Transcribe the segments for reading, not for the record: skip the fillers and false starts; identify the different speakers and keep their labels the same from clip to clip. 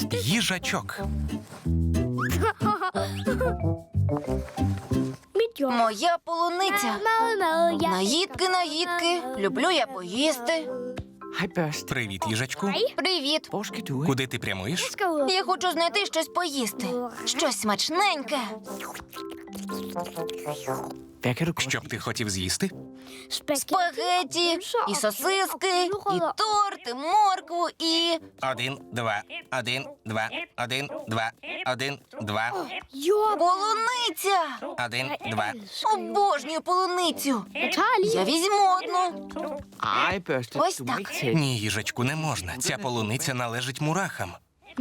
Speaker 1: Їжачок.
Speaker 2: Моя полуниця. Наїдки. Люблю я поїсти.
Speaker 3: Hej, børst.
Speaker 1: Привіт, їжачку.
Speaker 2: Привіт.
Speaker 3: Hvor skal du hen?
Speaker 1: Куди ти прямуєш?
Speaker 2: Я хочу знайти щось поїсти. Щось смачненьке.
Speaker 3: Hvad kan du godt
Speaker 1: Що б ти хотів з'їсти?
Speaker 2: Спагеті, і сосиски, і торт, і моркву, і...
Speaker 1: 1, 2, 1, 2, 1, 2, 1, 2,
Speaker 2: Полуниця!
Speaker 1: 1, 2.
Speaker 2: Обожнюю полуницю. Я візьму одну.
Speaker 3: Ej, børste.
Speaker 2: Ось
Speaker 3: Du må
Speaker 2: так.
Speaker 3: ikke tage.
Speaker 1: Ні, їжачку, не можна. Ця полуниця належить мурахам.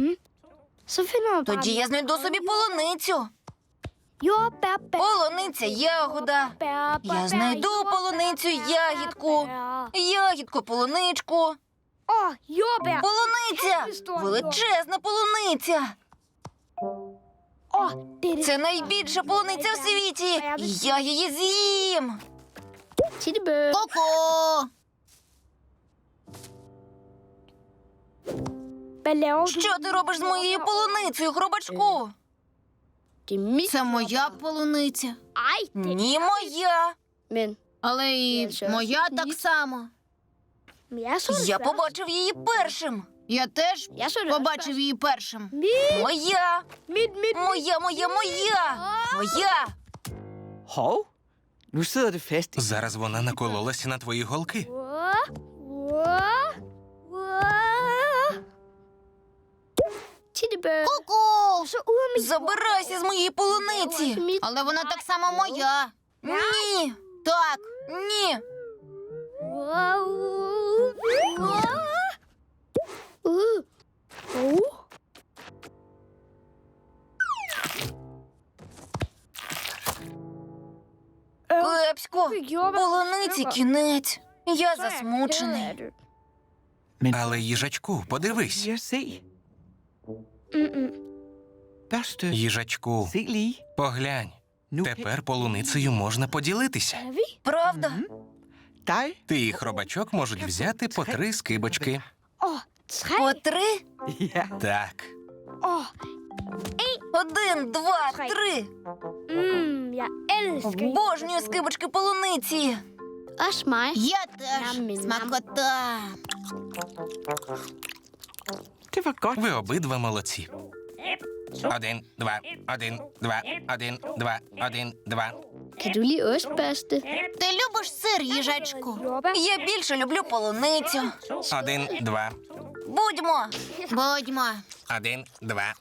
Speaker 2: Тоді я знайду собі полуницю. Полуниця, ягода. Я знайду полуницю, ягідку. Ягідку, полуничку. Полуниця! Величезна полуниця! Це найбільша полуниця в світі! І я її з'їм! Ко-ко! Що ти робиш з моєю полуницею, хробачку? Це моя полуниця. Ні, моя. Але і моя так само. Я побачив її першим. Я теж побачив її першим. Моя! Моя! Моя!
Speaker 3: Hov. Nu sidder det fast.
Speaker 1: Зараз вона накололася на твої голки.
Speaker 2: Ку-ку! Забирайся з моєї полуниці! Але вона так само моя. Ні! Так! Ні! Кепсько! Полуниці кінець. Я засмучений.
Speaker 1: Але їжачку, подивись.
Speaker 3: Jeg se. Børste.
Speaker 1: Їжачку,
Speaker 3: Se lige.
Speaker 1: поглянь.
Speaker 3: Nu
Speaker 1: Тепер полуницею можна поділитися.
Speaker 2: Правда?
Speaker 3: dig.
Speaker 1: Ти і хробачок можуть взяти по 3 скибочки.
Speaker 2: По 3?
Speaker 3: Ja.
Speaker 1: Так.
Speaker 2: 1, 2, 3. Обожнюю скибочки полуниці. Я теж. Смакота.
Speaker 3: Det var godt.
Speaker 1: Ви обидва молодці. 1, 2, 1, 2, 1, 2, 1, 2.
Speaker 4: Kan du lide ost, Børste?
Speaker 2: Ти любиш сир, їжачку? Я більше люблю полуницю.
Speaker 1: 1, 2,
Speaker 2: Будьмо.
Speaker 1: 1, 2.